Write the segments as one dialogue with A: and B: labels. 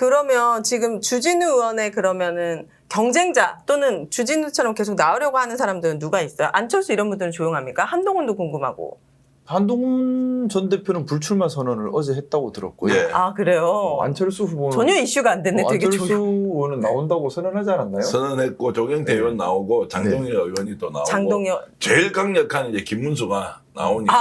A: 그러면 지금 주진우 의원의 그러면은 경쟁자 또는 주진우처럼 계속 나오려고 하는 사람들은 누가 있어요? 안철수 이런 분들은 조용합니까? 한동훈도 궁금하고.
B: 한동훈 전 대표는 불출마 선언을 어제 했다고 들었고요.
C: 예.
A: 아 그래요?
B: 안철수 후보는
A: 전혀 이슈가 안 됐네. 되게
B: 안철수
A: 조용.
B: 의원은 나온다고 선언하지 않았나요?
C: 선언했고 조경태 의원 나오고 장동혁 의원이 또 나오고
A: 장동혁.
C: 제일 강력한 이제 김문수가 나오니까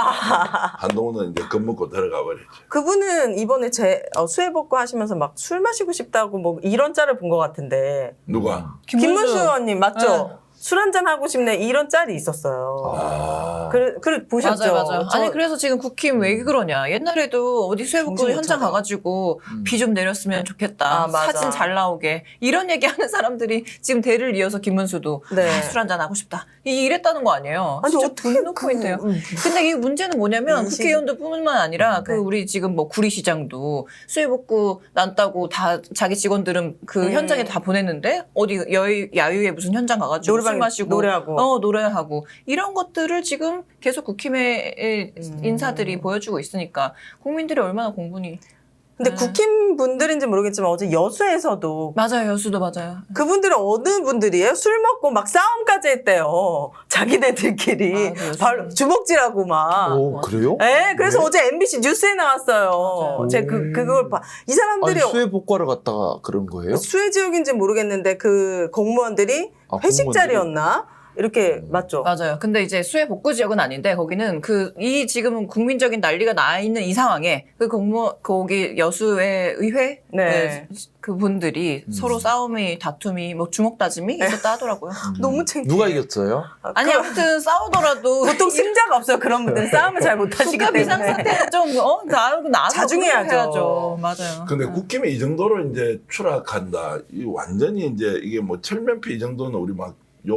C: 한동훈은 이제 겁먹고 들어가 버렸죠.
A: 그분은 이번에 수해 복구 하시면서 막 술 마시고 싶다고 뭐 이런 짤을 본 것 같은데.
C: 누가?
A: 김문수 의원님 맞죠?
D: 네.
A: 술 한잔 하고 싶네 이런 짤이 있었어요.
C: 아.
A: 그래 보셨죠?
D: 맞아요. 아니 그래서 지금 국힘 왜 그러냐. 옛날에도 어디 수해복구
A: 정신 못
D: 현장
A: 차려.
D: 가가지고 비 좀 내렸으면 좋겠다.
A: 아, 맞아.
D: 사진 잘 나오게. 이런 얘기하는 사람들이 지금 대를 이어서 김문수도
A: 네.
D: 술 한잔 하고 싶다. 이랬다는 거 아니에요.
A: 아니,
D: 진짜
A: 어떻게
D: 분노 포인트예요.
A: 그-
D: 근데 이 문제는 뭐냐면
A: 인식-
D: 국회의원들뿐만 아니라 그
A: 네.
D: 우리 지금 뭐 구리시장도 수해복구 난다고 다 자기 직원들은 그 현장에 다 보냈는데 어디 야유회 무슨 현장 가가지고
A: 노래방
D: 술 마시고
A: 노래하고.
D: 노래하고 이런 것들을 지금 계속 국힘의 인사들이 보여주고 있으니까 국민들이 얼마나 공분이.
A: 근데
D: 네.
A: 국힘 분들인지 모르겠지만 어제 여수에서도
D: 맞아요. 여수도 맞아요.
A: 그분들은 어느 분들이에요? 술 먹고 막 싸움까지 했대요. 자기네들끼리
D: 아, 그
A: 바로 주먹질하고 막.
B: 오, 그래요?
A: 네, 그래서
B: 네?
A: 어제 MBC 뉴스에 나왔어요.
D: 맞아요.
A: 제가 그걸 봐. 이 사람들이
B: 아니, 수해 복구하러 갔다가 그런 거예요?
A: 수해 지역인지 모르겠는데 그 공무원들이
B: 아,
A: 회식
B: 공무원들이?
A: 자리였나? 이렇게 맞죠?
D: 맞아요. 근데 이제 수해 복구 지역은 아닌데 거기는 이 지금 국민적인 난리가 나 있는 이 상황에 거기 여수의 의회
A: 네.
D: 그분들이 서로 싸움이 다툼이 뭐 주먹 다짐이 있었다 하더라고요.
A: 너무 창피해.
B: 누가 이겼어요?
D: 아니 아무튼 싸우더라도
A: 보통 승자가 없어요. 그런 분들은 싸움을 잘 못하시기
D: 국가
A: 때문에.
D: 비상사태는 좀
A: 자중해야죠.
D: 해야죠. 맞아요.
C: 근데 국힘이 이 정도로 이제 추락한다. 이 완전히 이제 이게 뭐 철면피 이 정도는 우리 막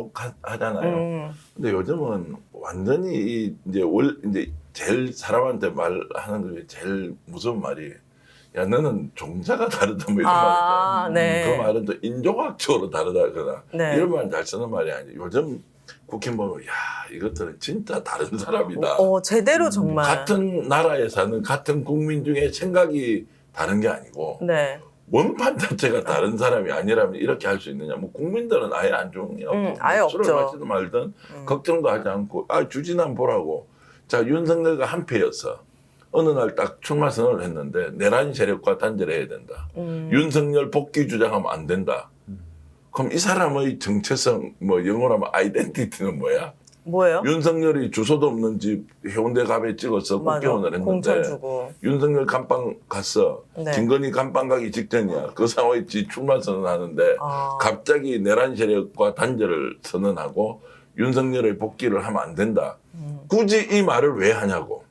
C: 욕하잖아요. 근데 요즘은 완전히 이제 제일 사람한테 말하는 게 제일 무서운 말이 야 너는 종자가 다르다 뭐 이런
A: 아,
C: 말 있잖아.
A: 네.
C: 그 말은 또 인종학적으로 다르다거나
A: 네.
C: 이런 말 잘 쓰는 말이 아니에요. 요즘 국힘 보면 야 이것들은 진짜 다른 사람이다.
A: 제대로 정말.
C: 같은 나라에 사는 같은 국민 중에 생각이 다른 게 아니고
A: 네.
C: 원판 자체가 다른 사람이 아니라면 이렇게 할 수 있느냐. 뭐 국민들은 아예 안중이 없고
A: 아예
C: 술을
A: 없죠.
C: 마시든 말든 걱정도 하지 않고 주진한 보라고. 자 윤석열과 한패였어. 어느 날 딱 출마 선언을 했는데 내란 세력과 단절해야 해야 된다. 윤석열 복귀 주장하면 안 된다. 그럼 이 사람의 정체성 뭐 영어로 하면 아이덴티티는 뭐야?
A: 뭐예요?
C: 윤석열이 주소도 없는 집 해운대 갑에 찍어서
A: 맞아.
C: 국회의원을
A: 공천
C: 했는데
A: 주고.
C: 윤석열 감방 갔어.
A: 네.
C: 김건희 감방 가기 직전이야. 그 상황에 출마 선언하는데
A: 아.
C: 갑자기 내란 세력과 단절을 선언하고 윤석열의 복귀를 하면 안 된다. 굳이 이 말을 왜 하냐고.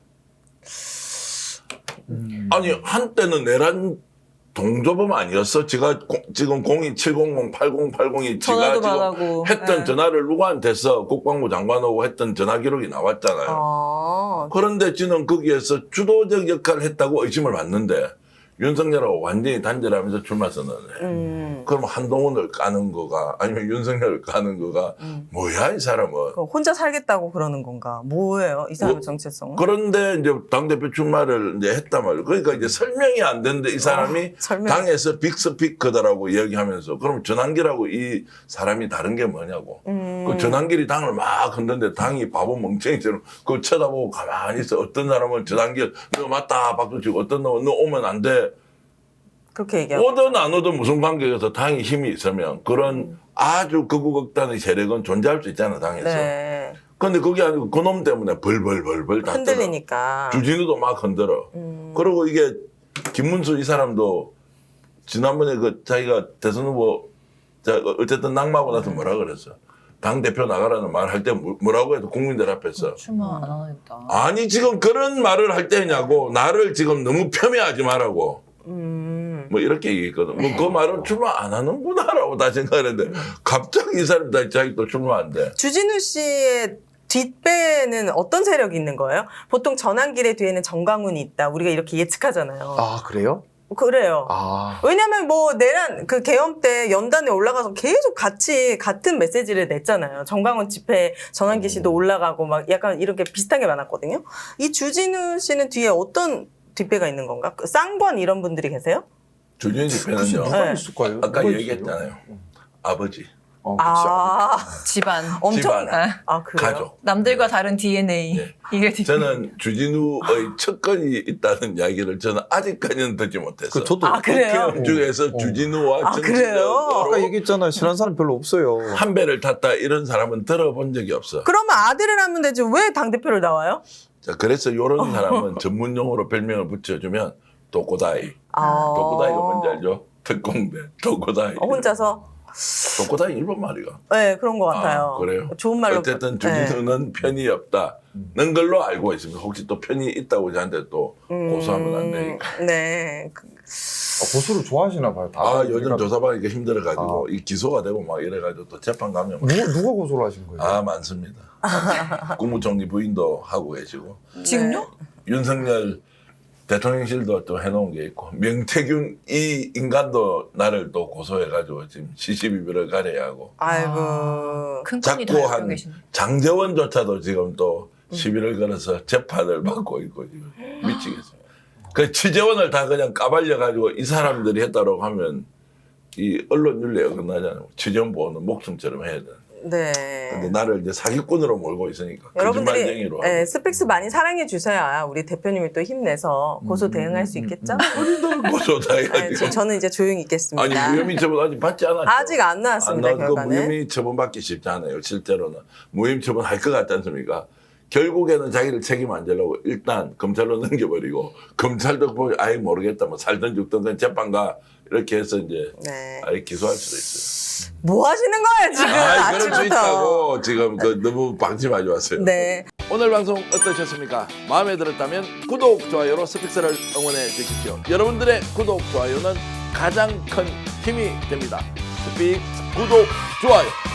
C: 아니 한때는 내란 동조범 아니었어? 지금 02700, 8080이 지가
D: 전화도
C: 지금
D: 받아고.
C: 했던
D: 네.
C: 전화를 누구한테 해서 국방부 장관하고 했던 전화 기록이 나왔잖아요.
A: 아.
C: 그런데 지는 거기에서 주도적 역할을 했다고 의심을 받는데 윤석열하고 완전히 단절하면서 출마 선언을 해. 그럼 한동훈을 까는 거가 아니면 윤석열을 까는 거가 뭐야 이 사람은.
A: 그럼 혼자 살겠다고 그러는 건가? 뭐예요? 이 사람의 정체성은?
C: 그런데 이제 당대표 출마를 이제 했단 말이에요. 그러니까 이제 설명이 안 되는데 이 사람이
A: 설명.
C: 당에서 빅스피커다라고 이야기하면서 그럼 전환기라고 이 사람이 다른 게 뭐냐고. 그 전환길이 당을 막 흔드는데 당이 바보 멍청이처럼 그거 쳐다보고 가만히 있어. 어떤 사람은 전환길 너 맞다 박수 치고 어떤 놈은 너 오면 안 돼.
A: 그렇게 얘기하고.
C: 오든 안 오든 무슨 관계에서 당이 힘이 있으면 그런 아주 극우극단의 세력은 존재할 수 있잖아 당에서.
A: 네.
C: 근데 그게 아니고 그놈 때문에 벌벌벌벌 다
A: 흔들리니까.
C: 주진우도 막 흔들어. 그리고 이게 김문수 이 사람도 지난번에 그 자기가 대선 후보 어쨌든 낙마하고 나서 뭐라 그랬어. 당 대표 나가라는 말 할 때 뭐라고 해도 국민들 앞에서
D: 출마 안 하겠다.
C: 아니 지금 그런 말을 할 때냐고 나를 지금 너무 폄훼하지 말라고. 뭐 이렇게 얘기했거든. 뭐 그 말은 출마 안 하는구나라고 다 생각했는데 갑자기 이 사람이 다 자기 또 출마한대.
A: 주진우 씨의 뒷배는 어떤 세력이 있는 거예요? 보통 전환길의 뒤에는 정광훈이 있다. 우리가 이렇게 예측하잖아요.
B: 아, 그래요?
A: 그래요.
B: 아.
A: 왜냐면 뭐 내란 그 계엄 때 연단에 올라가서 계속 같이 같은 메시지를 냈잖아요. 정광훈 집회 전환기 씨도 올라가고 막 약간 이렇게 비슷한 게 많았거든요. 이 주진우 씨는 뒤에 어떤 뒷배가 있는 건가? 그 쌍권 이런 분들이 계세요?
C: 주진우 집회는요.
B: 누가
A: 네.
B: 있을까요?
C: 아까
B: 누가
C: 얘기했잖아요. 아버지,
A: 아,
D: 집안.
A: 엄청.
C: 집안,
A: 아, 그래요?
C: 가족.
D: 남들과 다른 DNA.
C: 네.
D: 이게
C: 저는 주진우의 척건이 있다는 이야기를 저는 아직까지는 듣지 못했어요.
B: 저도
A: 아, 그래요?
C: 국회의원 중에서 주진우와
A: 아, 그래요?
B: 아까
C: 정치적으로
B: 얘기했잖아요. 친한 사람 별로 없어요.
C: 한 배를 탔다 이런 사람은 들어본 적이 없어.
A: 그러면 아들을 하면 되지 왜 당대표를 나와요?
C: 자, 그래서 이런 사람은 전문 용어로 별명을 붙여주면 도코다이.
A: 아.
C: 도코다이가 뭔지 알죠? 특공대 도코다이.
A: 혼자서?
C: 도코다이 일본 말이가.
A: 네, 그런 것 같아요.
C: 아, 그래요?
A: 좋은 말로.
C: 어쨌든
A: 네.
C: 주진우는 편이 없다는 걸로 알고 있습니다. 혹시 또 편이 있다고 저한테 또 고소하면 안 되니까.
A: 네.
B: 고수를 좋아하시나 봐요. 다.
C: 아, 요즘
B: 그러니까
C: 조사받으니까 힘들어가지고 이 기소가 되고 막 이래가지고 또 재판 가면 막
B: 누가 고소를 하신 거예요?
C: 아, 많습니다. 국무총리 부인도 하고 계시고
D: 지금요?
C: 윤석열 대통령실도 또 해놓은 게 있고 명태균 이 인간도 나를 또 고소해가지고 지금 시시비비를 가려야 하고
A: 아이고.
D: 큰 건이 다
C: 자꾸
D: 갖고
C: 한
D: 계시네.
C: 장재원조차도 지금 또 시비를 걸어서 재판을 받고 있고 지금 미치겠어요. 그 취재원을 다 그냥 까발려가지고 이 사람들이 했다고 하면 이 언론 윤리에 어긋나잖아요. 취재원 보호는 목숨처럼 해야 돼.
A: 네.
C: 근데 나를 이제 사기꾼으로 몰고 있으니까
A: 여러분들이
C: 거짓말쟁이로 하고.
A: 네, 스펙스 많이 사랑해 주셔야 우리 대표님이 또 힘내서 고소 대응할 수 있겠죠?
C: 어디들 고소다
A: 네,
C: 해가지고.
A: 저는 이제 조용히 있겠습니다.
C: 아니 무혐의 처분 아직 받지 않았죠.
A: 아직 안 나왔습니다,
C: 안 나왔고
A: 결과는.
C: 무혐의 처분 받기 쉽지 않아요. 실제로는 무혐의 처분 할 것 같지 않습니까? 결국에는 자기를 책임 안 지려고 일단 검찰로 넘겨버리고 검찰도 보면 아예 모르겠다 뭐 살든 죽든 그냥 재판가 이렇게 해서 이제
A: 네.
C: 아예 기소할 수도 있어요.
A: 뭐 하시는 거예요, 지금?
C: 그럴 수
A: 아침부터.
C: 있다고 지금 그 너무 방심하지 마세요.
A: 네.
C: 오늘 방송 어떠셨습니까? 마음에 들었다면 구독, 좋아요로 스픽스를 응원해 주십시오. 여러분들의 구독, 좋아요는 가장 큰 힘이 됩니다. 스픽스 구독, 좋아요.